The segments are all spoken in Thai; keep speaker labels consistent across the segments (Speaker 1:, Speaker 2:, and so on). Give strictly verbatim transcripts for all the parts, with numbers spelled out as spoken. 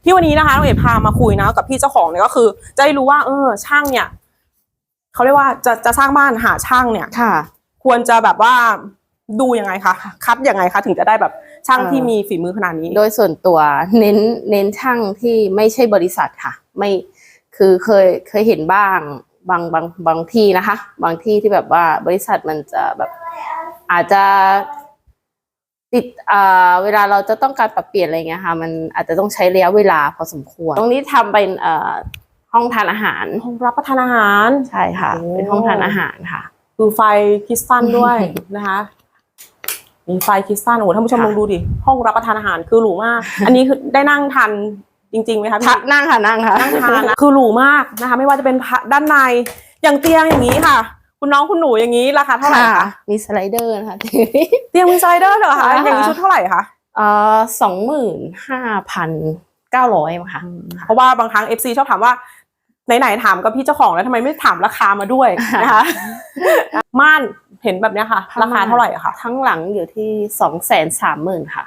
Speaker 1: ที่วันนี้นะคะน้องเอ๋พามาคุยนะกับพี่เจ้าของเนี่ยก็คือจะได้รู้ว่าเออช่างเนี่ยเขาเรียกว่าจะจะสร้างบ้านหาช่างเนี่ยค่ะควรจะแบบว่าดูยังไงคะคัดยังไงคะถึงจะได้แบบช่างที่มีฝีมือขนาดนี้
Speaker 2: โดยส่วนตัวเน้นเน้นช่างที่ไม่ใช่บริษัทค่ะไม่คือเคยเคยเห็นบ้างบางบางบางที่นะคะบางที่ที่แบบว่าบริษัทมันจะแบบอาจจะติดอ่าเวลาเราจะต้องการปรับเปลี่ยนอะไรเงี้ยค่ะมันอาจจะต้องใช้ระยะเวลาพอสมควรตรงนี้ทำเป็นเอ่อห้องทานอาหาร
Speaker 1: ห้องรับประทานอาหาร
Speaker 2: ใช่ค่ะเป็นห้องทานอาหารค่ะ
Speaker 1: ดูไฟคริสตัลด้วยนะคะมีไฟคริสตัลโอ้ท่านผู้ชมลองดูดิห้องรับประทานอาหารคือหรูมากอันนี้คือได้นั่งทานจริงๆไหมคะพี่
Speaker 2: นั่งค่ะนั่งค่ะ
Speaker 1: นั่งทานนะคือหรูมากนะคะไม่ว่าจะเป็นด้านในอย่างเตียงอย่างนี้ค่ะคุณน้องคุณหนูอย่างนี้ราคาเท่าไหร่คะ
Speaker 2: มีสไลเดอร์นะคะ
Speaker 1: เตียงมีสไลเดอร์เหรอคะอย่างนี้ชุดเท่าไหร่คะ
Speaker 2: เอ่อสองหมื่นห้าพันเก้าร้อยค่ะ
Speaker 1: เพราะว่าบางครั้ง เอฟ ซี ชอบถามว่าไหนๆถามกับพี่เจ้าของแล้วทำไมไม่ถามราคามาด้วยนะคะม่านเห็นแบบนี้ค่ะราคาเท่าไหร่คะ
Speaker 2: ทั้งหลังอยู่ที่สองแสนสามหมื่นค่ะ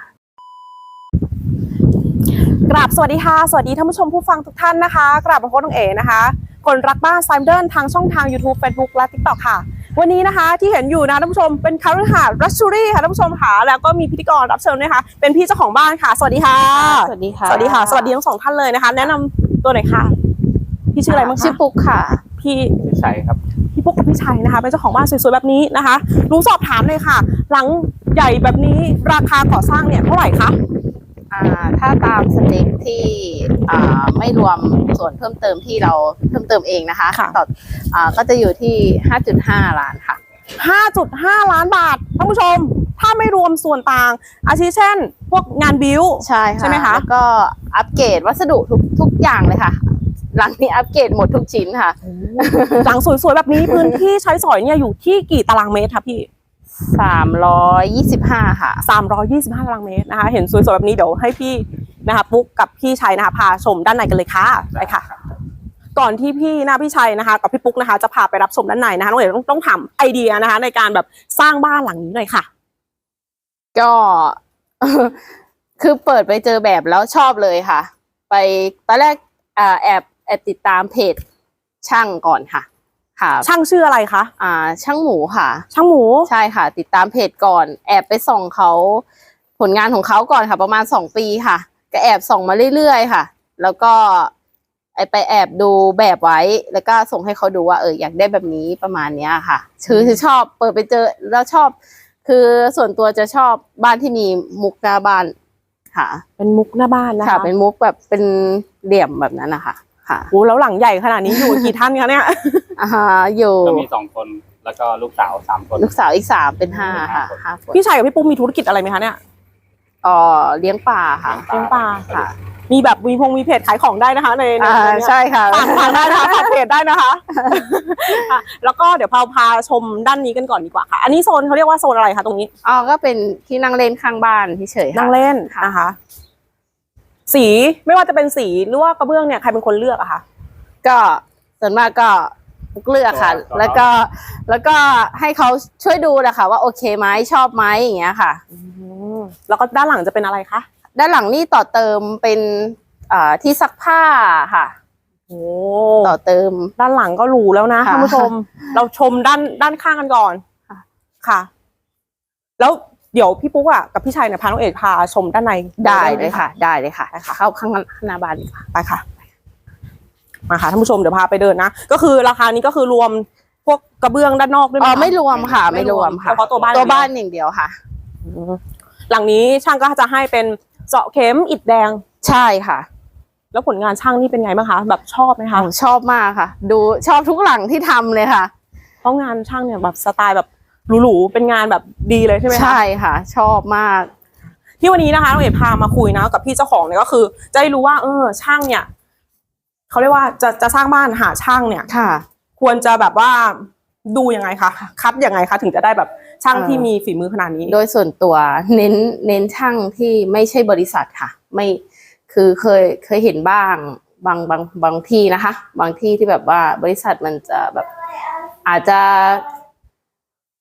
Speaker 1: กราบสวัสดีค่ะสวัสดีท่านผู้ชมผู้ฟังทุกท่านนะคะกราบพระโคตรน้องเอ๋นะคะคนรักบ้านไซม์เดิลทางช่องทาง YouTube Facebook และ ติ๊กต็อก ค่ะวันนี้นะคะที่เห็นอยู่นะท่านผู้ชมเป็นคารุหารัชชูรี่ค่ะท่านผู้ชมค่ะแล้วก็มีพิธีกรรับเชิญนะคะเป็นพี่เจ้าของบ้านค่ะสวัสดีค่ะ
Speaker 2: สวัสดีค่ะ
Speaker 1: สวัสดีค่ะสวัสดีทั้งสองท่านเลยนะคะแนะนำตัวหน่อยค่ะพี่ชื่ออะไรบ้างคะ
Speaker 2: ชื่อปุ๊กค่ะ
Speaker 1: พี่
Speaker 3: พี่ชัยครับ
Speaker 1: พี่ปุ๊กกับพี่ชัยนะคะเป็นเจ้าของบ้านสวยๆแบบนี้นะคะรู้สอบถามเลยค่ะหลังใหญ่แบบนี้ราคาก่อสร้างเนี่ยเท่าไหร่คะ
Speaker 2: อ่าถ้าตามสเต็กที่อ่าไม่รวมส่วนเพิ่มเติมที่เราเพิ่มเติมเองนะคะต่ออ่าก็จะอยู่ที่ ห้าจุดห้า ล้านค่ะ
Speaker 1: ห้าจุดห้า ล้านบาทท่านผู้ชมถ้าไม่รวมส่วนต่างอาทิเช่นพวกงานบิว
Speaker 2: ใช่ค่ะ
Speaker 1: ใช่ไหมคะ
Speaker 2: แล้วก็อัปเกรดวัสดุทุกทุกอย่างเลยค่ะหลังนี้อัปเกรดหมดทุกชิ้นค่ะ
Speaker 1: หลังสวยๆแบบนี้พื้นที่ใช้สอยเนี่ยอยู่ที่กี่ตารางเมตรคะพี่
Speaker 2: สามร้อยยี่สิบห้าค่ะ
Speaker 1: สามร้อยยี่สิบห้าตารางเมตรนะคะเห็นสวยๆแบบนี้เดี๋ยวให้พี่นะคะปุ๊กกับพี่ชัยนะคะพาชมด้านในกันเลยค่ะไปค่ะก่อนที่พี่นะพี่ชัยนะคะกับพี่ปุ๊กนะคะจะพาไปรับชมด้านในนะคะน้องเอ๋ต้องต้องถามไอเดียนะคะในการแบบสร้างบ้านหลังนี้หน่อยค่ะ
Speaker 2: ก็คือเปิดไปเจอแบบแล้วชอบเลยค่ะไปตอนแรกแอบแอบติดตามเพจช่างก่อนค่ะค่ะ
Speaker 1: ช่างชื่ออะไรคะ
Speaker 2: อ่าช่างหมูค่ะ
Speaker 1: ช่างหมู
Speaker 2: ใช่ค่ะติดตามเพจก่อนแอบไปส่องเขาผลงานของเขาก่อนค่ะประมาณสองปีค่ะก็แอบส่องมาเรื่อยๆค่ะแล้วก็ไอไปแอบดูแบบไว้แล้วก็ส่งให้เขาดูว่าเอออยากได้แบบนี้ประมาณเนี้ยค่ะคือคือชอบเปิดไปเจอแล้วชอบคือส่วนตัวจะชอบบ้านที่มีมุกหน้าบ้านค่ะ
Speaker 1: เป็นมุกหน้าบ้านนะคะ
Speaker 2: ค่ะเป็นมุกแบบเป็นเหลี่ยมแบบนั้นนะคะค่ะ
Speaker 1: โอ้แล้วหลังใหญ่ขนาดนี้อยู่กี่ท่านคะเนี่ย
Speaker 2: อ่าอยู่
Speaker 3: ก็มีสองคนแล้วก็ลูกสาวสามคน
Speaker 2: ลูกสาวอีกสามเป็นห้าค่ะห้าคน
Speaker 1: พี่ชัยกับพี่ปุ๊กมีธุรกิจอะไรไหมคะเนี่ย
Speaker 2: อ๋อเลี้ยงปลาค่ะ
Speaker 1: เลี้ยงปลา
Speaker 2: ค่ะ
Speaker 1: มีแบบมีพงมีเพจขายของได้นะคะในใน
Speaker 2: ใช่ค่ะ
Speaker 1: ฝากฝากได้นะคะฝากเพจได้นะคะแล้วก็เดี๋ยวพาพาชมด้านนี้กันก่อนดีกว่าค่ะอันนี้โซนเขาเรียกว่าโซนอะไรคะตรงนี้
Speaker 2: อ๋อก็เป็นที่นั่งเล่นข้างบ้านเฉยๆ
Speaker 1: นั่งเล่นนะคะสีไม่ว่าจะเป็นสีหรือว่ากระเบื้องเนี่ยใครเป็นคนเลือกอะคะ
Speaker 2: ก็ส่วนมากก็เลือกค่ะแล้วก็แล้วก็ให้เขาช่วยดูนะคะว่าโอเคไหมชอบไหมอย่างเงี้ยค่ะ
Speaker 1: แล้วก็ด้านหลังจะเป็นอะไรคะ
Speaker 2: ด้านหลังนี่ต่อเติมเป็นอ่าที่ซักผ้าค่ะ
Speaker 1: โอ้
Speaker 2: ต่อเติม
Speaker 1: ด้านหลังก็หรูแล้วนะท่านผู้ชมเราชมด้านด้านข้างกันก่อนค่ะแล้วเดี๋ยวพี่ปุ๊กอ่ะกับพี่ชัยเนี่ยพาน้องเอกพาชมด้านใน
Speaker 2: ได้เลยค่ะได้เลยค่ะเข้าข้างหน้าบ้านดีกว่า
Speaker 1: ไปค่ะมาค่ะท่านผู้ชมเดี๋ยวพาไปเดินนะก็คือราคานี้ก็คือรวมพวกกระเบื้องด้านนอกด้วยไหม
Speaker 2: อ๋อไม่รวมค่ะไม่รวมค่ะ
Speaker 1: เพราะตัวบ้าน
Speaker 2: ตัวบ้านอย่างเดียวค่ะ
Speaker 1: หลังนี้ช่างก็จะให้เป็นเจาะเข็มอิฐแดง
Speaker 2: ใช่ค่ะ
Speaker 1: แล้วผลงานช่างนี่เป็นไงบ้างคะแบบชอบไหมคะ
Speaker 2: ชอบมากค่ะดูชอบทุกหลังที่ทำเลยค่ะ
Speaker 1: เพราะงานช่างเนี่ยแบบสไตล์แบบหรูๆเป็นงานแบบดีเลยใช่ไหมคะ
Speaker 2: ใช่ค่ะชอบมาก
Speaker 1: ที่วันนี้นะคะน้องเอ๋พามาคุยนะกับพี่เจ้าของเนี่ยก็คือจะได้รู้ว่าเออช่างเนี่ยเขาเรียกว่าจะจะสร้างบ้านหาช่างเนี่ย
Speaker 2: ค่ะ
Speaker 1: ควรจะแบบว่าดูยังไงคะคัดยังไงคะถึงจะได้แบบช่างที่มีฝีมือขนาดนี้
Speaker 2: โดยส่วนตัวเน้นเน้นช่างที่ไม่ใช่บริษัทค่ะไม่คือเคยเคยเห็นบ้างบางบางบางที่นะคะบางที่ที่แบบว่าบริษัทมันจะแบบอาจจะ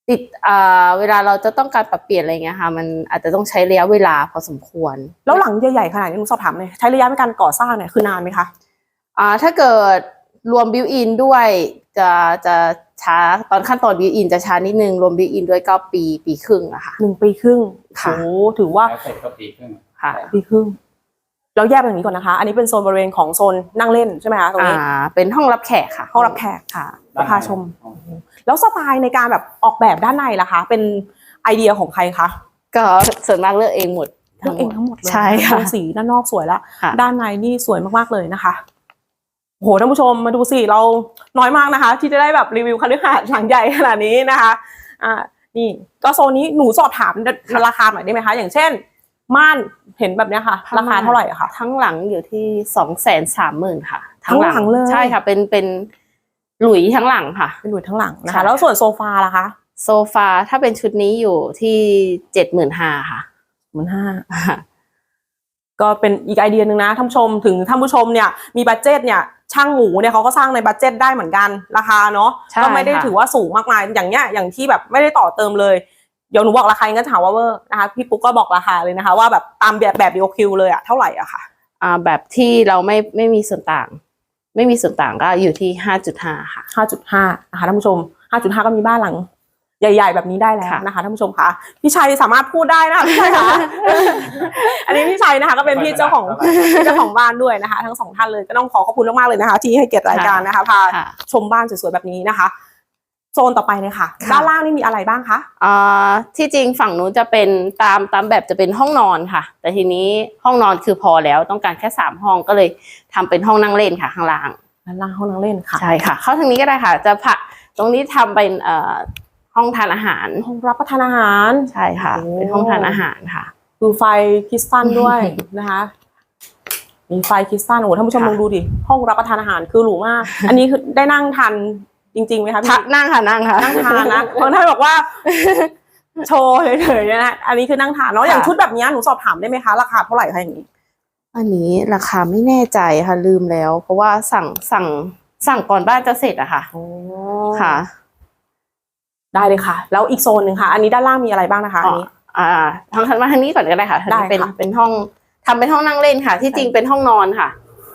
Speaker 2: ติดอ่าเวลาเราจะต้องการปรับเปลี่ยนอะไรเงี้ยค่ะมันอาจจะต้องใช้ระยะเวลาพอสมควร
Speaker 1: แล้วหลังใหญ่ๆขนาดนี้หนูสอบถามเลยใช้ระยะในการก่อสร้างเนี่ยคือนานไหมคะ
Speaker 2: อ่าถ้าเกิดรวมบิวอินด้วยจะจะช้าตอนขั้นตอนบิวอินจะช้านิดนึงรวมบิวอินด้วยก็ปีปีครึ่งอะค่ะ
Speaker 1: หนึ่งปีครึ่ง
Speaker 2: ค่ะ
Speaker 1: โอ้ถือว่า
Speaker 3: แล้วเสร็จก็ปีครึ่ง
Speaker 2: ค่ะ
Speaker 1: ปีครึ่งแล้วแยกเป็นอย่างนี้ก่อนนะคะ อันนี้เป็นโซนบริเวณของโซนนั่งเล่นใช่ไหมคะตรง
Speaker 2: อ่า
Speaker 1: นี้
Speaker 2: เป็นห้องรับแขกค่ะ
Speaker 1: ห้องรับแขก
Speaker 2: ค่ะ
Speaker 1: จะพาชม แล้วสไตล์ในการแบบออกแบบด้านในล่ะคะ เป็นไอเดียของใครคะ
Speaker 2: ก็ส่วนมากเลือกเองหมด
Speaker 1: เลือกเองทั้งหมดเลย
Speaker 2: ใช่
Speaker 1: โท
Speaker 2: ค่ะ
Speaker 1: นสีด้านนอกสวยแล้ว
Speaker 2: ค่ะ
Speaker 1: ด้านในนี่สวยมากๆเลยนะคะโอ้โหท่านผู้ชมมาดูสิเราน้อยมากนะคะ ที่จะได้แบบรีวิวคฤหาสน์หลังใหญ่ขนาดนี้นะคะอ่านี่ก็โซนนี้หนูสอบถามราคาหน่อยได้ไหมคะ อย่างเช่นม่านเห็นแบบเนี้ยค่ะ ราคาเท่าไหร่อะคะ
Speaker 2: ทั้งหลังอยู่ที่สองแสนสามหมื่นค่ะ
Speaker 1: ทั้งหลังเลย
Speaker 2: ใช่ค่ะ เป็นเป็นหลุยทั้งหลังค่ะ
Speaker 1: เป็นหลุยทั้งหลังนะ
Speaker 2: ใช่
Speaker 1: คะ แล้วส่วนโซฟาล่ะคะ
Speaker 2: โซฟาถ้าเป็นชุดนี้อยู่ที่เจ็ดหมื่นห้าค่ะ
Speaker 1: หมื่นห้า ก็เป็นอีกไอเดียหนึ่งนะท่านผู้ชมถึงท่านผู้ชมเนี่ยมีบัดเจ็ตเนี่ยช่างหมูเนี่ยเขาก็สร้างในบัดเจ็ตได้เหมือนกันราคาเนาะ
Speaker 2: ใช่
Speaker 1: ก็ไม่ได้
Speaker 2: ค่ะ
Speaker 1: ถือว่าสูงมากมายอย่างเนี้ยอย่างที่แบบไม่ได้ต่อเติมเลยเดี๋ยวหนูบอกราคาก็ถามว่าเวอร์นะคะพี่ปุ๊กก็บอกราคาเลยนะคะ ว่าแบบตามแบบแบบดีโอคิวเลยอะเท่าไหร่อะค่ะ
Speaker 2: อ่าแบบที่เราไม่ไม่มีส่วนต่าง ไม่มีส่วนต่างก็อยู่ที่ห้าจุดห้าค่ะ
Speaker 1: ห้าจุดห้านะคะท่านผู้ชม ห้าจุดห้า ก็มีบ้านหลัง ใหญ่ๆแบบนี้ได้แล้ว
Speaker 2: ค่ะ
Speaker 1: นะคะท่านผู้ชมคะพี่ชัยสามารถพูดได้นะคะพี่ชัยคะ อันนี้พี่ชัยนะคะก็เป็นพี่เจ้าของพี่เจ้าของบ้านด้วยนะคะ ทั้งสองท่านเลยก็ต้องขอขอบคุณมากๆเลยนะคะ ที่ให้เกียรติรายการนะคะพา
Speaker 2: ค่ะ
Speaker 1: ชมบ้านสวยๆแบบนี้นะคะ โซนต่อไปเลยค่ะ
Speaker 2: ค่ะ
Speaker 1: ด้านล่างนี่มีอะไรบ้างคะ
Speaker 2: อ่าที่จริงฝั่งนู้นจะเป็นตามตามแบบจะเป็นห้องนอนค่ะ แต่ทีนี้ห้องนอนคือพอแล้วต้องการแค่สามห้องก็เลยทำเป็นห้องนั่งเล่นค่ะข้างล่าง
Speaker 1: ด้านล่างห้องนั่งเล่นค่ะ
Speaker 2: ใช่ค่ะ เข้าทางนี้ก็ได้ค่ะ จะผะตรงนี้ทำเป็นเอ่อห้องทานอาหาร
Speaker 1: ห้องรับประทานอาหาร
Speaker 2: ใช่ค่ะ
Speaker 1: โอ้
Speaker 2: เป็นห้องทานอาหารค่ะ
Speaker 1: ดูไฟคริสตัลด้วย นะคะ มีไฟคริสตัลโอ้โหท่านผู้ชม
Speaker 2: ค่ะ
Speaker 1: ลองดูดิห้องรับประทานอาหารคือหรูมาก อันนี้คือได้นั่งทานจริงๆไหมคะพี่
Speaker 2: ทะนั่งค่ะนั่งค่ะ
Speaker 1: นั่งทานนะบางท่านบอกว่า โชว์เฉยๆนะอันนี้คือนั่งทานเนาะอย่าง
Speaker 2: ค่ะ
Speaker 1: ชุดแบบนี้หนูสอบถามได้ไหมคะราคาเท่าไหร่คะอย่างนี้
Speaker 2: อันนี้ราคาไม่แน่ใจค่ะลืมแล้ว เพราะว่าสั่งสั่งสั่งก่อนบ้านจะเสร็จอะค่ะ ค่ะ
Speaker 1: ได้เลยค่ะ แล้วอีกโซนหนึ่งค่ะ อันนี้ด้านล่างมีอะไรบ้างนะคะอันนี้
Speaker 2: อ่าทางทางมาทางนี้ก่อนก็ได้ค่ะ
Speaker 1: ได้
Speaker 2: เป็น
Speaker 1: ค่ะ
Speaker 2: เป็นห้องทำเป็นห้องนั่งเล่นค่ะ ที่จริงเป็นห้องนอนค่ะ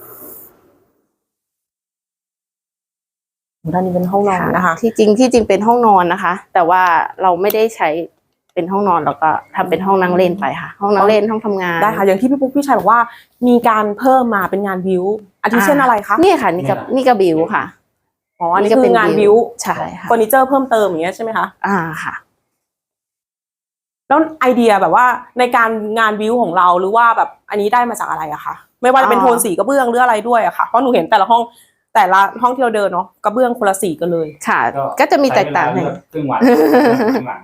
Speaker 1: ด้านนี้เป็นห้องนอนนะคะ
Speaker 2: ที่จริงที่จริงเป็นห้องนอนนะคะ แต่ว่าเราไม่ได้ใช้เป็นห้องนอนเราก็ทำเป็นห้องนั่งเล่นไปค่ะ ห้องนั่งเล่นห้องทำงาน
Speaker 1: ได้ค่ะอย่างที่พี่ปุ๊กพี่ชัยบอกว่ามีการเพิ่มมาเป็นงานบิวอาทิเช่นอะไรคะ
Speaker 2: นี่ค่ะนี่กับนี่กับบิวค่ะ
Speaker 1: อ๋ออันนี้คืองานบิว
Speaker 2: ใช่ค่ะ
Speaker 1: เฟอร์นิเจอร์เพิ่มเติมอย่างเงี้ยใช่ไหมคะ
Speaker 2: อ่าค่ะ
Speaker 1: แล้วไอเดียแบบว่าในการงานบิวของเราหรือว่าแบบอันนี้ได้มาจากอะไรอะคะไม่ว่าจะเป็น
Speaker 2: อ่า
Speaker 1: โทนสีกระเบื้องหรืออะไรด้วยอะค่ะเพราะหนูเห็นแต่ละห้องแต่ละห้องที่เราเดินเนาะกระเบื้องคนละสีกันเลย
Speaker 2: ค่ะ ก็จะมีแตกต่าง
Speaker 3: ใช้
Speaker 2: กัน
Speaker 3: เวลเลือกครึ่งวันข้างหลัง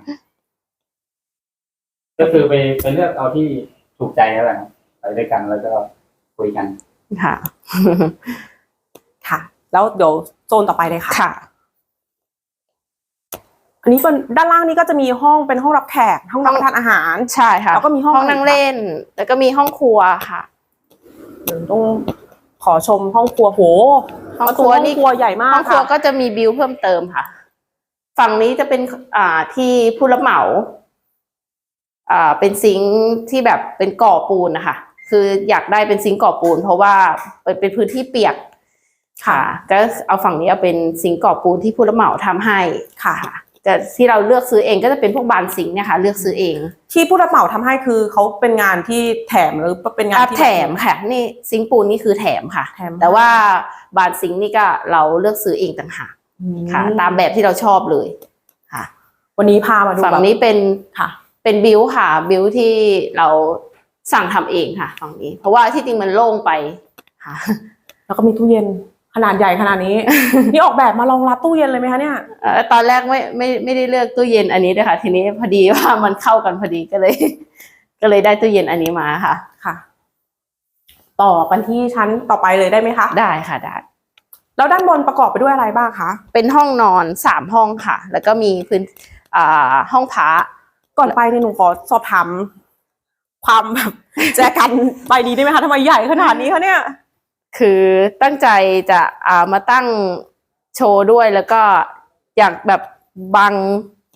Speaker 3: ก็คือไปไปเลือกเอาที่ถูกใจแล้วแหละครับไปด้วยกันแล้วก็คุยกัน
Speaker 2: ค่ะ
Speaker 1: ค่ะ แล้วเดี๋ยวโซนต่อไปเลยค่ะ
Speaker 2: ค่ะ
Speaker 1: อันนี้เป็นด้านล่างนี้ก็จะมีห้องเป็นห้องรับแขกห้องรับประทานอาหาร
Speaker 2: ใช่ค่ะ
Speaker 1: แล้วก็มีห้อง
Speaker 2: นั่งเล่น แล้วก็มีห้องครัวค่ะ
Speaker 1: เดี๋ยวต้องขอชมห้องครัวโห
Speaker 2: ห้องครัว
Speaker 1: ประตู
Speaker 2: นี่
Speaker 1: ห้องครัวใหญ่มาก
Speaker 2: ห้องครัว
Speaker 1: ค่ะ
Speaker 2: ก็จะมีบิลเพิ่มเติมค่ะ ฝั่งนี้จะเป็นอ่าที่ผู้รับเหมา อ่าเป็นซิงค์ที่แบบเป็นก่อปูนนะคะคืออยากได้เป็นซิงค์ก่อปูน เพราะว่าเป็นเป็นพื้นที่เปียกค่ะ ก็เอาฝั่งนี้เอาเป็นซิงค์ก่อปูนที่ผู้รับเหมาทำให้
Speaker 1: ค่ะ
Speaker 2: แต่ที่เราเลือกซื้อเองก็จะเป็นพวกบานซิงค์เนี่ยค่ะ เลือกซื้อเอง
Speaker 1: ที่ผู้รับเหมาทำให้คือเขาเป็นงานที่แถมหรือเป็นงาน
Speaker 2: อ่ะ
Speaker 1: ที่
Speaker 2: แถมค่ะ นี่ซิงค์ปูนนี่คือแถมค่ะ
Speaker 1: แถม
Speaker 2: แต่ว่าบานซิงค์นี่ก็เราเลือกซื้อเองต่างหาก
Speaker 1: อืม
Speaker 2: ค่ะ ตามแบบที่เราชอบเลยค่ะ
Speaker 1: วันนี้พามาดู
Speaker 2: ฝั่ง
Speaker 1: แบบ
Speaker 2: นี้เป็น
Speaker 1: ค่ะ
Speaker 2: เป็นบิวค่ะบิวที่เราสั่งทำเองค่ะฝั่งนี้ เพราะว่าที่จริงมันโล่งไปค่ะ
Speaker 1: แล้วก็มีตู้เย็นขนาดใหญ่ขนาดนี้ นี่ออกแบบมารองรับตู้เย็นเลยไหมคะเนี่ย
Speaker 2: เอ่อตอนแรกไม่ไม่ไม่ได้เลือกตู้เย็นอันนี้เลยค่ะ ทีนี้พอดีว่ามันเข้ากันพอดีก็เลย ก็เลยได้ตู้เย็นอันนี้มาค่ะ
Speaker 1: ค่ะ ต่อกันที่ชั้นต่อไปเลยได้ไหมคะ
Speaker 2: ได้ค่ะได้
Speaker 1: แล้วด้านบนประกอบไปด้วยอะไรบ้างคะ
Speaker 2: เป็นห้องนอนสามห้องค่ะ แล้วก็มีพื้นอ่าห้องพระ
Speaker 1: ก่อนไปเนี่ยหนูขอสอบถามความแบบแจกันใบนี้ได้ไหมคะทำไมใหญ่ขนาดนี้คะเนี่ย
Speaker 2: คือตั้งใจจะอ่ามาตั้งโชว์ด้วยแล้วก็อยากแบบบัง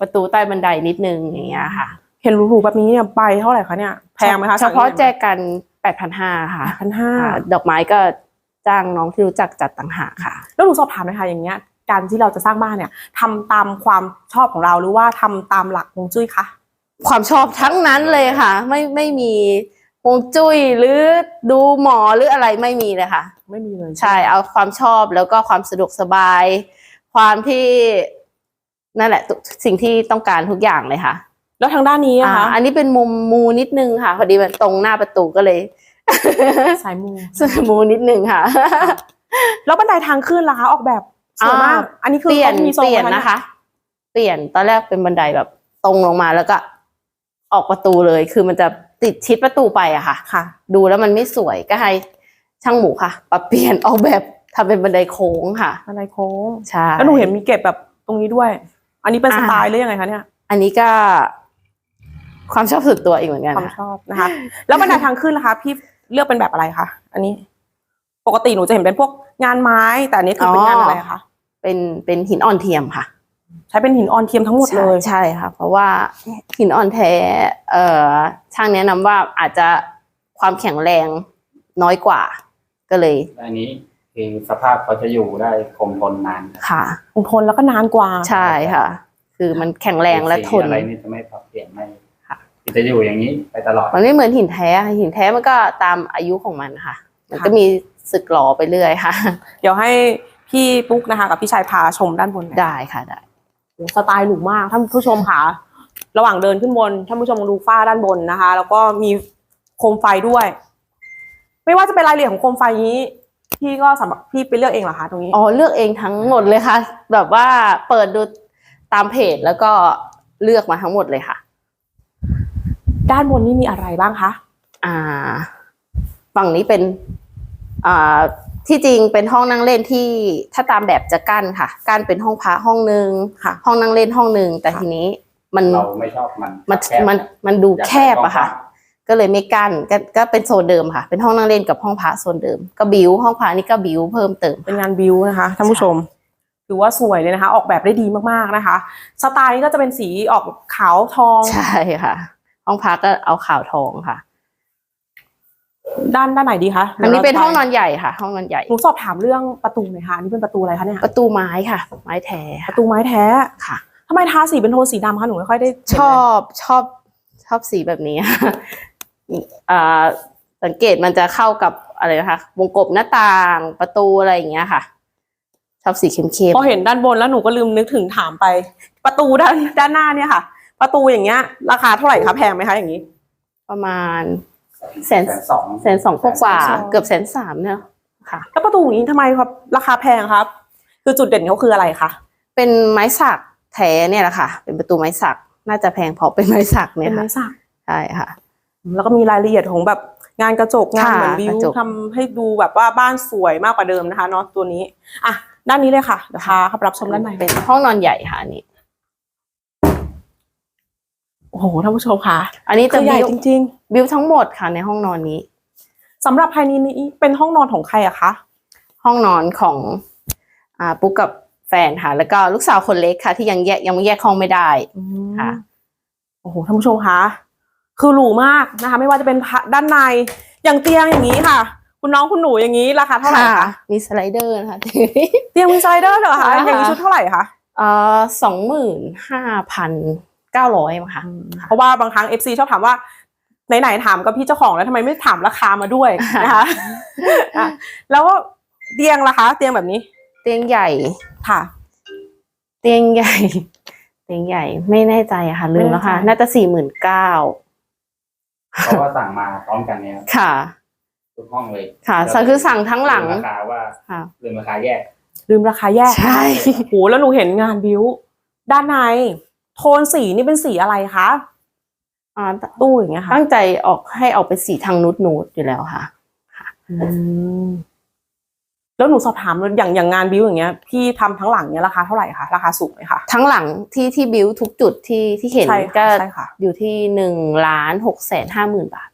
Speaker 2: ประตูใต้บันไดนิดนึงอย่างเงี้ยค่ะ
Speaker 1: เห็นหรูๆแบบนี้เนี่ยใบเท่าไหร่คะเนี่ยแพงไหมคะ
Speaker 2: เฉพาะแจกันแปดพันห้าค่ะ
Speaker 1: พันห้า
Speaker 2: ค่ะดอกไม้ก็จ้างน้องที่รู้จักจัดต่างหากค่ะ
Speaker 1: แล้วหนูสอบถามเลยค่ะอย่างเงี้ยการที่เราจะสร้างบ้านเนี่ยทำตามความชอบของเราหรือว่าทำตามหลักฮวงจุ้ยคะ
Speaker 2: ความชอบทั้งนั้นเลยค่ะ ไม่ไม่มีฮวงจุ้ยหรือดูหมอหรืออะไรไม่มีเลยค่ะ
Speaker 1: ไม่มีเลย
Speaker 2: ใช่เอาความชอบแล้วก็ความสะดวกสบาย ความที่นั่นแหละทุกสิ่งที่ต้องการทุกอย่างเลยค่ะ
Speaker 1: แล้วทางด้านนี้
Speaker 2: อ่า
Speaker 1: อะคะ
Speaker 2: อันนี้เป็นมุมมูนิดนึงค่ะพอดีมันตรงหน้าประตูก็เลย
Speaker 1: สายมู
Speaker 2: สมูนิดนึงค่ะ
Speaker 1: แล้วบันไดทางขึ้นล่ะคะออกแบบสวยมาก
Speaker 2: อ่า
Speaker 1: อันนี้คือ
Speaker 2: เปลี่ยน
Speaker 1: ขามีทรง
Speaker 2: เปลี่ยน
Speaker 1: ไหม
Speaker 2: นะคะ เปลี่ยนตอนแรกเป็นบันไดแบบตรงลงมาแล้วก็ออกประตูเลย คือมันจะติดชิดประตูไปอะค่ะ
Speaker 1: ค่ะ
Speaker 2: ดูแล้วมันไม่สวยก็ให้ช่างหมูค่ะปรับเปลี่ยนออกแบบทำเป็นบันไดโค้งค่ะ
Speaker 1: บันไดโค้ง
Speaker 2: ใช่
Speaker 1: แล้วหนูเห็นมีเก็บแบบตรงนี้ด้วย อันนี้เป็น
Speaker 2: อ่า
Speaker 1: สไตล์หรือยังไงคะเนี่ย
Speaker 2: อันนี้ก็ความชอบส่วนตัวอีกเหมือนกัน
Speaker 1: ความ
Speaker 2: ค่ะ
Speaker 1: ชอบนะคะ แล้วบันไดทางขึ้นล่ะคะพี่เลือกเป็นแบบอะไรคะอันนี้ ปกติหนูจะเห็นเป็นพวกงานไม้ แต่อันนี้คือเป็นงานอะไรคะ
Speaker 2: เป็นเป็นหินอ่อนเทียมค่ะ
Speaker 1: ใช้เป็นหินออนเทียมทั้งหมดเลย
Speaker 2: ใช่ใช่ค่ะ เพราะว่าหินอ่อนแท้ เอ่อช่างแนะนำว่าอาจจะความแข็งแรงน้อยกว่า ก็เลย
Speaker 3: อันนี้คือสภาพเขาจะอยู่ได้คงทนนาน
Speaker 2: ค่ะ
Speaker 1: คงทนแล้วก็นานกว่า
Speaker 2: ใช่ค่ะ คือมันแข็งแรงและทน
Speaker 3: สีอะไรนี่จะไม่ปรับเปลี่ยนไม่ค่ะจะอยู่อย่างนี้ไปตลอด
Speaker 2: มันไม่เหมือนหินแท้ค่ะหินแท้มันก็ตามอายุของมันค่ะ มันก็มีสึกหลอไปเรื่อยค่ะ
Speaker 1: เดี๋ยวให้พี่ปุ๊กนะคะ กับพี่ชายพาชมด้านบนหน่อย
Speaker 2: ได้ค่ะได้
Speaker 1: โอ้สไตล์หรูมากท่านผู้ชมค่ะ ระหว่างเดินขึ้นบนท่านผู้ชมดูฝ้าด้านบนนะคะ แล้วก็มีโคมไฟด้วย ไม่ว่าจะเป็นรายละเอียดของโคมไฟนี้ พี่ก็สำหรับพี่ไปเลือกเองเหรอคะตรงนี้
Speaker 2: อ๋อเลือกเองทั้งหมดเลยค่ะ แบบว่าเปิดดูตามเพจแล้วก็เลือกมาทั้งหมดเลยค่ะ
Speaker 1: ด้านบนนี่มีอะไรบ้างคะ
Speaker 2: อ่า ฝั่งนี้เป็น อ่า ที่จริงเป็นห้องนั่งเล่นที่ถ้าตามแบบจะกั้นค่ะ กั้นเป็นห้องพระห้องหนึ่ง
Speaker 1: ค่ะ
Speaker 2: ห้องนั่งเล่นห้องหนึ่งแต่ทีนี้มัน
Speaker 3: เราไม่ชอบมัน
Speaker 2: มัน
Speaker 3: แคบ
Speaker 2: มันมันดู
Speaker 3: อยาก
Speaker 2: แคบอะค่ะ
Speaker 3: กว้าง
Speaker 2: ก็เลยไม่กั้นก็ก็เป็นโซนเดิมค่ะ เป็นห้องนั่งเล่นกับห้องพระโซนเดิม ก็บิวห้องพระนี่ก็บิวเพิ่มเติม
Speaker 1: เป็นงานบิวนะคะท่านผู้ชมถือว่าสวยเลยนะคะ ออกแบบได้ดีมากๆนะคะ สไตล์นี้ก็จะเป็นสีออกขาวทอง
Speaker 2: ใช่ค่ะ ห้องพระก็เอาขาวทองค่ะ
Speaker 1: ด้านด้านไหนดีคะ
Speaker 2: อันนี้เป็นห้องนอนใหญ่ค่ะ ห้องนอนใหญ่
Speaker 1: หนูสอบถามเรื่องประตูหน่อยค่ะอันนี่เป็นประตูอะไรคะเนี่ย
Speaker 2: ประตูไม้ค่ะ ไม้แท้
Speaker 1: ป
Speaker 2: ค่ะ
Speaker 1: ระตูไม้แท้
Speaker 2: ค่ะ
Speaker 1: ทำไมทาสีเป็นโทนสีดำคะหนูไม่ค่อยได้เห็น
Speaker 2: ช
Speaker 1: เลย
Speaker 2: อบชอบชอบสีแบบนี้ อ่าสังเกตมันจะเข้ากับอะไรนะคะ วงกบหน้าต่างประตูอะไรอย่างเงี้ยค่ะ ชอบสีเข้ม
Speaker 1: พอเห็นด้านบนแล้วหนูก็ลืมนึกถึงถามไป ประตูด้านด้านหน้าเนี่ยค่ะ ประตูอย่างเงี้ย ราคาเท่าไหร่คะแพงไหมคะอย่างนี้
Speaker 2: ๆประมาณแสน
Speaker 3: แสนสอง
Speaker 2: แสนสองกว่า
Speaker 1: แสนสอง
Speaker 2: เกือบแสนสามเนี่ยค่ะ
Speaker 1: แล้วประตูอย่างนี้ทำไมครับราคาแพงครับ คือจุดเด่นเขาคืออะไรคะ
Speaker 2: เป็นไม้สักแท้เนี่ยแหละค่ะ เป็นประตูไม้สักน่าจะแพงเพราะเป็นไม้สักเนี่
Speaker 1: เป็
Speaker 2: ย
Speaker 1: น
Speaker 2: ค่ะ
Speaker 1: ไม้สัก
Speaker 2: ใช่ค่ะ
Speaker 1: แล้วก็มีรายละเอียดของแบบงานกระจกงาน
Speaker 2: ค่ะ
Speaker 1: เหมือนวิ
Speaker 2: ก
Speaker 1: ว
Speaker 2: ระจก
Speaker 1: ทำให้ดูแบบว่าบ้านสวยมากกว่าเดิมนะคะเนาะตัวนี้อ่ะด้านนี้เลยค่ะเดี๋ยวพาเข้าไปรับชมด้านใน
Speaker 2: เป็นห้องนอนใหญ่ค่ะอันนี้
Speaker 1: โอ้โหท่านผู้ชมค่ะ
Speaker 2: อันนี้
Speaker 1: คื
Speaker 2: จะ
Speaker 1: อใหญ่
Speaker 2: บิว
Speaker 1: จริง
Speaker 2: บิวทั้งหมดค่ะในห้องนอนนี้
Speaker 1: ๆสำหรับภายในนี้เป็นห้องนอนของใครอะคะ
Speaker 2: ห้องนอนของอ่าปุ๊กกับแฟนค่ะ แล้วก็ลูกสาวคนเล็กค่ะ ที่ยังแยกยังไม่แยกห้องไม่ได้ ค่ะ
Speaker 1: โอ้โหท่านผู้ชมคะคือหรูมากนะคะ ไม่ว่าจะเป็นด้านในอย่างเตียงอย่างนี้ค่ะ คุณน้องคุณหนูอย่างนี้ราคาเท่าไหร่คะ
Speaker 2: มีสไลเดอร์นะคะ
Speaker 1: เตียงมีไซเดอร์เหรอคะ
Speaker 2: ค่ะ
Speaker 1: อย่างนี้ชุดเท่าไหร่คะ
Speaker 2: เอ่อสองหมื่นห้าพันเก้าร้อยมั้งค่ะ
Speaker 1: เพราะว่าบางครั้ง เอฟ ซี ชอบถามว่าไหนๆถามกับพี่เจ้าของแล้วทำไมไม่ถามราคามาด้วยนะคะอ่ะแล้วเตียงล่ะคะเตียงแบบนี้
Speaker 2: เตียงใหญ่
Speaker 1: ค่ะ
Speaker 2: เตียงใหญ่ เตียงใหญ่ไม่แน่ใจอะค่ะ ลืมแล้วค่ะ
Speaker 1: ไม่แน่ใจ
Speaker 2: น่าจะสี่หมื่นเก้า
Speaker 3: เพราะว่าสั่งมาพร้อมกันเนี่ย
Speaker 2: ค่ะ
Speaker 3: ทุกห้องเลย
Speaker 2: ค่ะสั่งคือสั่งทั้งหลัง
Speaker 3: ลืมราคาว่า
Speaker 2: ค่ะ
Speaker 3: ลืมราคาแยก
Speaker 1: ลืมราคาแยก
Speaker 2: ใช่
Speaker 1: โอ้โหแล้วหนูเห็นงานบิวด้านในโทนสีนี่เป็นสีอะไรคะ
Speaker 2: อ่า
Speaker 1: ตู้อย่างเงี้ยค่ะ
Speaker 2: ตั้งใจออกให้ออกเป็นสีทางนูดนูดอยู่แล้วค่ะ
Speaker 1: อืมแล้วหนูสอบถามเลยอย่างอย่างงานบิวอย่างเงี้ยพี่ทำทั้งหลังเนี้ยราคาเท่าไหร่คะราคาสูงไหมคะ
Speaker 2: ทั้งหลังที่ที่บิวทุกจุดที่ที่เห็น
Speaker 1: ใช่ค่ะ
Speaker 2: ก็
Speaker 1: ใช่ค่ะ
Speaker 2: อยู่ที่หนึ่งล้านหกแสนห้าหมื่นบาท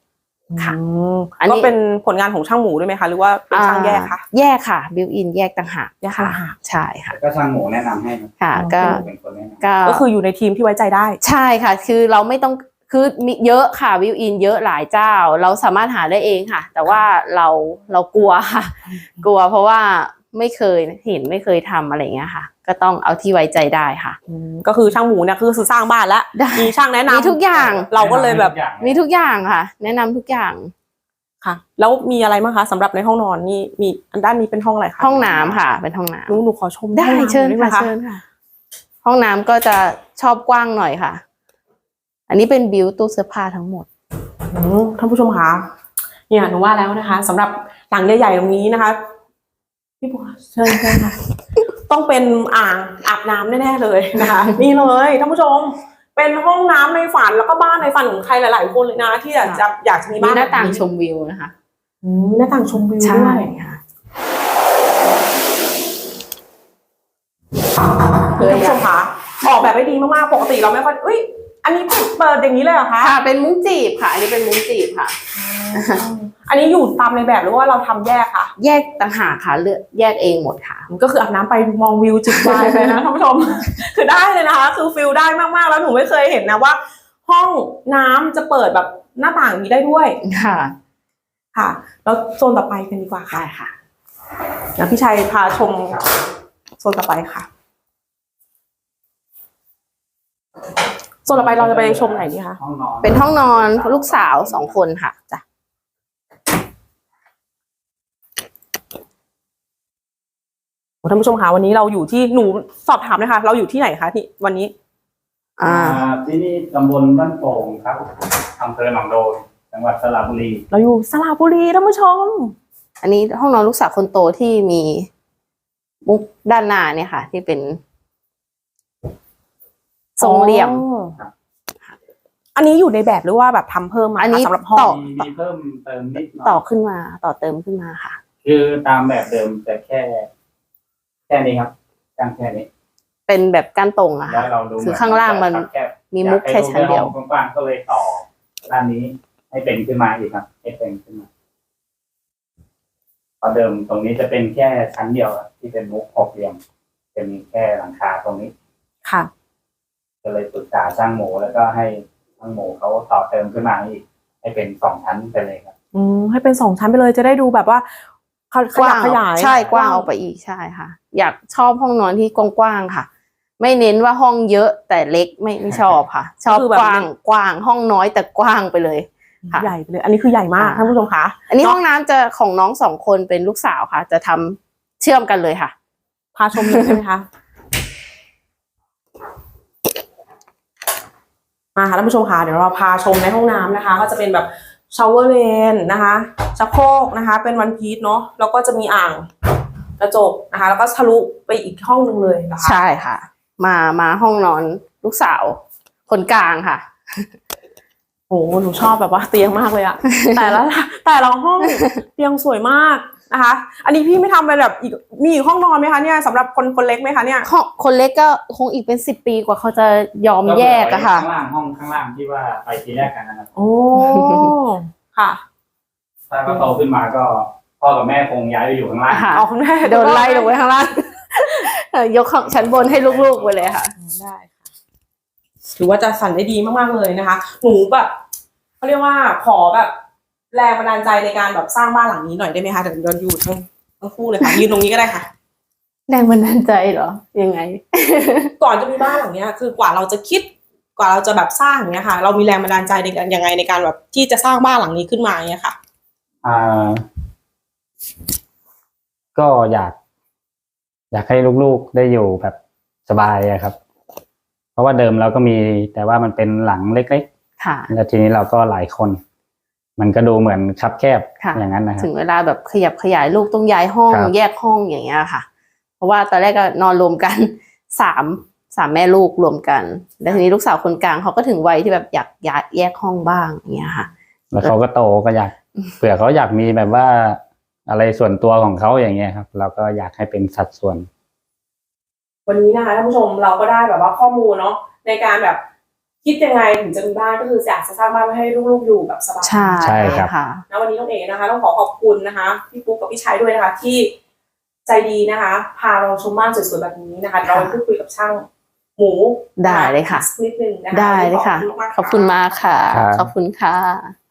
Speaker 2: ค่ะ
Speaker 1: อืม
Speaker 2: อันนี้
Speaker 1: ก็เป็นผลงานของช่างหมูด้วยไหมคะหรือว่าเป็นช่างแยกคะ
Speaker 2: แยกค่ะบิวอินแยกต่างหาก
Speaker 1: แยกต่างหาก
Speaker 2: ใช่ค่ะ
Speaker 3: ก็ช่างหมูแนะนำให้ครับ
Speaker 2: ค่ะ
Speaker 1: อ๋อ
Speaker 2: ก็
Speaker 3: เป็นคนแนะนำ
Speaker 2: ก็
Speaker 1: ก็คืออยู่ในทีมที่ไว้ใจได้
Speaker 2: ใช่ค่ะ คือเราไม่ต้องคือมีเยอะค่ะวิวอินเยอะหลายเจ้า เราสามารถหาได้เองค่ะ แต่ว่าเราเรากลัวค่ะ กลัวเพราะว่าไม่เคยเห็นไม่เคยทำอะไรเงี้ยค่ะ ก็ต้องเอาที่ไว้ใจได้ค่ะ
Speaker 1: อืมก็คือช่างหมูเนี่ยคือสร้างบ้านแล้ว
Speaker 2: ได้
Speaker 1: มีช่างแนะนำ
Speaker 2: มีทุกอย่าง
Speaker 1: เราก็เลยแบบ
Speaker 2: มีทุกอย่างค่ะ แนะนำทุกอย่าง
Speaker 1: ค่ะ แล้วมีอะไรบ้างคะสำหรับในห้องนอนนี่มีอันด้านนี้เป็นห้องอะไรคะ
Speaker 2: ห้องน้ำค่ะ เป็นห้องน้
Speaker 1: หนูหนูขอชม
Speaker 2: ำได้
Speaker 1: ห้องน้ำ
Speaker 2: เชิญ
Speaker 1: หน่อยได้ไหม
Speaker 2: ค่ะเชิญค่ะ ห้องน้ำก็จะชอบกว้างหน่อยค่ะ อันนี้เป็นบิวตู้เสื้อผ้าทั้งหมด
Speaker 1: อืมท่านผู้ชมคะเนี่ยหนูว่าแล้วนะคะสำหรับหลังใหญ่ๆตรงนี้นะคะพี่บัวเชิญเชิญค่ะ ต้องเป็นอ่างอาบน้ำแน่ๆเลยนะคะ นี่เลยท่านผู้ชม เป็นห้องน้ำในฝันแล้วก็บ้านในฝันของใครหลายๆคนเลยนะ ที่อยากจะอยากจะมี
Speaker 2: มี
Speaker 1: บ้าน
Speaker 2: หน้าต่าง
Speaker 1: แบบ
Speaker 2: ชมวิวนะคะ
Speaker 1: อืมหน้าต่างชมวิว
Speaker 2: ใช่
Speaker 1: ด้วย
Speaker 2: ค่ะ
Speaker 1: ท่านผู้ชมคะออกแบบได้ดีมากๆปกติเราไม่ค่อยอุ้ยอันนี้เปิดอย่างนี้เลยเหรอคะ
Speaker 2: ค่ะ เป็นมุ้งจีบค่ะ อันนี้เป็นมุ้งจีบค่ะ
Speaker 1: อันนี้อยู่ตามในแบบหรือว่าเราทำแยกคะ
Speaker 2: แยกต่างหากค่ะเลือกแยกเองหมดค่ะ
Speaker 1: ก็คืออาบน้ำไปมองวิวจิบไวน์ไปนะท่านผู้ชม คือได้เลยนะคะ คือฟิลได้มากๆแล้วหนูไม่เคยเห็นนะว่า ห้องน้ำจะเปิดแบบหน้าต่างอย่างนี้ได้ด้วย
Speaker 2: ค่ะ
Speaker 1: ค่ะ แล้วโซนต่อไปกันดีกว่าค่ะ
Speaker 2: ได้ค่ะ
Speaker 1: นะพี่ชัยพาชมโซนต่อไปค่ะโซนต่อไปเราจะไปชมไหนดีคะ
Speaker 3: ห้องนอน
Speaker 2: เป็นห้องนอนลูกสาวสองคนค่ะจ้ะ
Speaker 1: โอ้ท่านผู้ชมคะวันนี้เราอยู่ที่หนูสอบถามเลยค่ะเราอยู่ที่ไหนคะที่วันนี้
Speaker 2: อ่า
Speaker 3: อ่าที่นี่ตำบลบ้านโป่งครับอำเภอหนองโดนจังหวัดสระบุรี
Speaker 1: เราอยู่สระบุรีท่านผู้ชม
Speaker 2: อันนี้ห้องนอนลูกสาวคนโตที่มีมุกด้านหน้าเนี่ยค่ะ ที่เป็นทรงเหลี่ยม
Speaker 1: อ๋ออันนี้อยู่ในแบบหรือว่าแบบทำเพิ่มมา
Speaker 2: อันนี้
Speaker 1: คะสำหรับห้อง
Speaker 2: ต่อ
Speaker 3: มีมีเพิ่มเติมนิดหน่
Speaker 2: ต่อ
Speaker 3: อย
Speaker 2: ขึ้นมาต่อเติมขึ้นมาค่ะ
Speaker 3: คือตามแบบเดิมแต่แค่ แค่นี้ครับกางแค่นี้
Speaker 2: เป็นแบบก้านตรงอะ
Speaker 3: แล้
Speaker 2: ค่ะ
Speaker 3: วเราดู
Speaker 2: คือข้างล่างมัน
Speaker 3: แคบ
Speaker 2: มีมุกแค่ชั้นเดียว
Speaker 3: อากให้รูปในห้องกว้างๆก็เลยต่อด้านนี้ให้เป็นขึ้นมาอีกครับให้เป็นขึ้นมาเพราะเดิมตรงนี้จะเป็นแค่ชั้นเดียวอะที่เป็นมุกหกเหลี่ยมจะมีแค่หลังคาตรงนี้
Speaker 1: ค่ะ
Speaker 3: ก็เลยปรึกษาช่างหมูแล้วก็ให้ช่างหมูเขาต่อเติมขึ้นมาอีกให้เป็นสองชั้นไปเลยครับ
Speaker 1: อืมให้เป็นสองชั้นไปเลยจะได้ดูแบบว่าข
Speaker 2: กว้าง
Speaker 1: ขยาย
Speaker 2: ใช่กว้างออกไปอีกใช่ค่ะ อยากชอบห้องนอนที่กว้างๆค่ะ ไม่เน้นว่าห้องเยอะแต่เล็กไม่ไม่ชอบค่ะ ชอบกว้างกว้างห้องน้อยแต่กว้างไปเลย ค่ะ
Speaker 1: ใหญ่ไปเลย อันนี้คือใหญ่มาก
Speaker 2: อ่า
Speaker 1: ท่านผู้ชมคะ
Speaker 2: อันนี้ห้องน้ำจะของน้องสองคนเป็นลูกสาวค่ะ จะทำเชื่อมกันเลยค่ะ
Speaker 1: พาชมเลยใช่ไหมคะมาค่ะท่านผู้ชมคะเดี๋ยวเราพาชมในห้องน้ำนะคะ ก็จะเป็นแบบชาวเวอร์เลนนะคะชักโครกนะคะ เป็นวันพีซเนาะแล้วก็จะมีอ่างกระจกนะคะ แล้วก็ทะลุไปอีกห้องหนึ่งเลยนะคะ
Speaker 2: ใช่ค่ะ มามาห้องนอนลูกสาวคนกลางค่ะ
Speaker 1: โอ้โหหนูชอบแบบว่าเตียงมากเลยอะ แต่ละแต่ละห้องเตียงสวยมากนะคะ อันนี้พี่ไม่ทำเป็นแบบอีกมีอีกห้องนอนไหมคะเนี่ยสำหรับคนคนเล็กไหมคะเนี่ย
Speaker 2: ห้องคนเล็กก็คงอีกเป็นสิบปีกว่าเขาจะยอมแยกอะค่ะ
Speaker 3: ข้างล่างห้องข้างล่างที่ว่าไปทีแรกกันนะครับ
Speaker 1: โอ้ค่ะ
Speaker 3: ถ้าเขาโตขึ้นมาก็พ่อกับแม่คงย้ายไปอยู่ข้างล่าง
Speaker 2: ค่ะ
Speaker 1: เอาคุณแม่
Speaker 2: โดนไล่ลงไว้ข้างล่าง เอ่อยกของชั้นบนให้ลูกๆไปเลยค่ะ
Speaker 1: ได้ค่ะถือว่าจะสั่นได้ดีมากๆเลยนะคะ หนูแบบเขาเรียกว่าขอแบบแรงบันดาลใจในการแบบสร้างบ้านหลังนี้หน่อยได้ไหมคะเดี๋ยวเราอยู่ทั้งทั้งคู่เลยค่ะยืนตรงนี้ก็ได้ค่ะ
Speaker 2: แรงบันดาลใจเหรอ ยังไง
Speaker 1: ก่อนจะมีบ้านหลังเนี้ยคือกว่าเราจะคิดกว่าเราจะแบบสร้างอย่างเงี้ยค่ะ เรามีแรงบันดาลใจในการยังไงในการแบบที่จะสร้างบ้านหลังนี้ขึ้นมาอย่างเงี้ยค่ะ
Speaker 3: อ่า ก็อยาก อยากให้ลูกๆได้อยู่แบบสบายอะครับ เพราะว่าเดิมเราก็มีแต่ว่ามันเป็นหลังเล็ก
Speaker 2: ค่ะ
Speaker 3: ๆแล้วทีนี้เราก็หลายคน มันก็ดูเหมือนคับแคบ
Speaker 2: ค่ะ
Speaker 3: อย่างนั้นนะครับ
Speaker 2: ถึงเวลาแบบขยับขยายลูกต้องย้ายห้อง
Speaker 3: ครับ
Speaker 2: แยกห้องอย่างเงี้ยค่ะ เพราะว่าตอนแรกก็นอนรวมกัน สามสามแม่ลูกรวมกัน แล้วทีนี้ลูกสาวคนกลางเขาก็ถึงวัยที่แบบอยากย้ายแยกห้องบ้างอย่างเงี้ยค่ะ
Speaker 3: แล้วเขาก็โตก็อยากเผื่อเขาอยากมีแบบว่าอะไรส่วนตัวของเขาอย่างเงี้ยครับ เราก็อยากให้เป็นสัดส่วน
Speaker 1: วันนี้นะคะท่านผู้ชมเราก็ได้แบบว่าข้อมูลเนาะในการแบบคิดยังไงถึงจะมีบ้านก็คืออยากจะสร้างบ้านไว้ให้ลูกๆอยู่แบบสบาย
Speaker 2: ใช่
Speaker 3: ใช่ครับ
Speaker 2: ค่ะ
Speaker 1: นะวันนี้น้องเอ๋นะคะต้องขอขอบคุณนะคะพี่ปุ๊กกับพี่ชัยด้วยนะคะที่ใจดีนะคะ พาเราชมบ้านสวยๆแบบนี้นะคะเราไปพูดคุยกับช่างหมู
Speaker 2: ได้เลยค่ะ
Speaker 1: นิดนึงนะคะ
Speaker 2: ได้เลยค่ะ
Speaker 1: วันนี้
Speaker 2: ขอบคุณมากค่ะ
Speaker 3: ครับ
Speaker 2: ขอบคุณค่ะ